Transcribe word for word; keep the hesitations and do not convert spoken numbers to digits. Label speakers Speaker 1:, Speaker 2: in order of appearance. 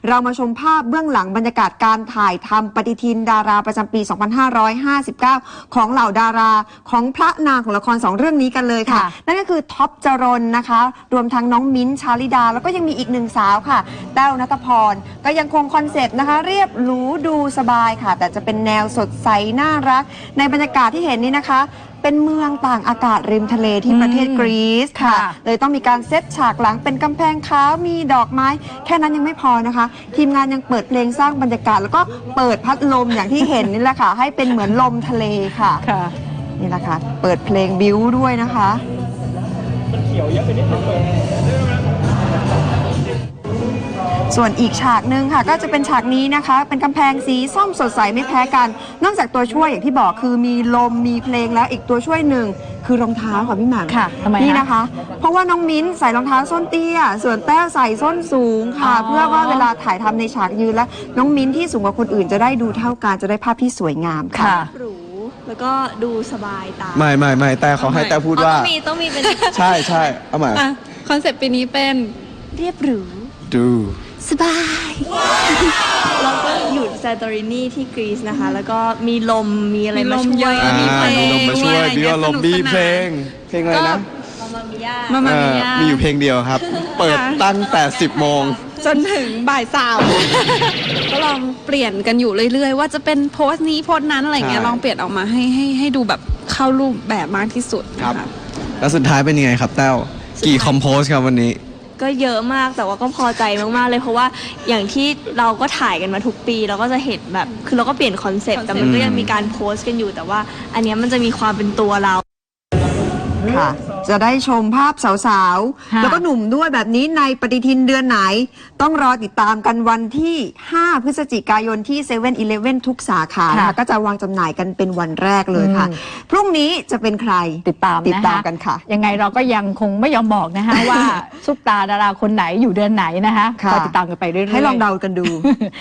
Speaker 1: เรามาชมภาพเบื้องหลังบรรยากาศการถ่ายทำปฏิทินดาราประจำปี สองพันห้าร้อยห้าสิบเก้า ของเหล่าดาราของพระนางของละครสองเรื่องนี้กันเลยค่ะ นั่นก็คือท็อปจรนนะคะรวมทั้งน้องมิ้นท์ชาลิดาแล้วก็ยังมีอีกหนึ่งสาวค่ะแต้วณัฐพรก็ยังคงคอนเซปต์นะคะเรียบหรูดูสบายค่ะแต่จะเป็นแนวสดใสน่ารักในบรรยากาศที่เห็นนี้นะคะเป็นเมืองต่างอากาศริมทะเลที่ประเทศกรีซค่ะเลยต้องมีการเซตฉากหลังเป็นกำแพงขาวมีดอกไม้แค่นั้นยังไม่พอนะคะทีมงานยังเปิดเพลงสร้างบรรยากาศแล้วก็เปิดพัดลมอย่างที่เห็นนี่แหละค่ะให้เป็นเหมือนลมทะเลค่ะนี่แหละค่ะเปิดเพลงบิ้วด้วยนะคะส่วนอีกฉากหนึ่งค่ะก็จะเป็นฉากนี้นะคะเป็นกำแพงสีส้มสดใสไม่แพ้กันนอกจากตัวช่วยอย่างที่บอกคือมีลมมีเพลงแล้วอีกตัวช่วยหนึ่งคือรองเท้าค่ะพี่หมาก
Speaker 2: ค่ะทำไม
Speaker 1: นี่นะคะเพราะว่าน้องมิ้นใส่รองเท้าส้นเตี้ยส่วนแต้วใส่ส้นสูงค่ะเพื่อว่าเวลาถ่ายทำในฉากยืนแล้วน้องมิ้นที่สูงกว่าคนอื่นจะได้ดูเท่ากันจะได้ภาพที่สวยงามค่ะ
Speaker 3: หรูแล้วก็ดูสบายตา
Speaker 4: ไม่ไม่ไม่แต่เขาให้แต่พูดว่า
Speaker 3: ต้องมีต้องมีเป็น
Speaker 4: ใช่ใช่เอามา
Speaker 3: คอนเซ็ปต์ปีนี้เป็นเรียบหรู
Speaker 4: ดู
Speaker 3: สบายแล้วก็อยู่ซานโตรินีที่กรีซนะคะแล้วก็มีลมมีอะไรมาช่วย
Speaker 4: มีเพลงมาช่วยมีลมมีเพลงเพลงอะไรนะ
Speaker 3: มามามิยา
Speaker 4: มามามิยามีอยู่เพลงเดียวครับเปิดตั้งแต่สิบโมง
Speaker 3: จนถึงบ่ายสามก็ลองเปลี่ยนกันอยู่เรื่อยๆว่าจะเป็นโพสต์นี้โพสต์นั้นอะไรเงี้ยลองเปลี่ยนออกมาให้ให้ให้ดูแบบเข้ารูปแบบมากที่สุด
Speaker 4: ครับแล้วสุดท้ายเป็นยังไงครับแต้วกี่คอมโพสครับวันนี้
Speaker 3: ก็เยอะมากแต่ว่าก็พอใจมากๆเลยเพราะว่าอย่างที่เราก็ถ่ายกันมาทุกปีเราก็จะเห็นแบบคือเราก็เปลี่ยนคอนเซ็ปต์แต่มันก็ยังมีการโพสต์กันอยู่แต่ว่าอันนี้มันจะมีความเป็นตัวเรา
Speaker 1: ค่ะจะได้ชมภาพสาวๆแล้วก็หนุ่มด้วยแบบนี้ในปฏิทินเดือนไหนต้องรอติดตามกันวันที่ห้าพฤศจิกายนที่เซเว่นอีเลฟเว่นทุกสาขานะคะก็จะวางจำหน่ายกันเป็นวันแรกเลยค่ะพรุ่งนี้จะเป็นใคร
Speaker 2: ติดตาม
Speaker 1: ติดตามกันค่ะ
Speaker 2: ยังไงเราก็ยังคงไม่ยอมบอกนะคะว่าซุปตาดาราคนไหนอยู่เดือนไหนนะคะก็ติดตามกันไปเรื่อยๆ
Speaker 1: ให้ลองเดากันดู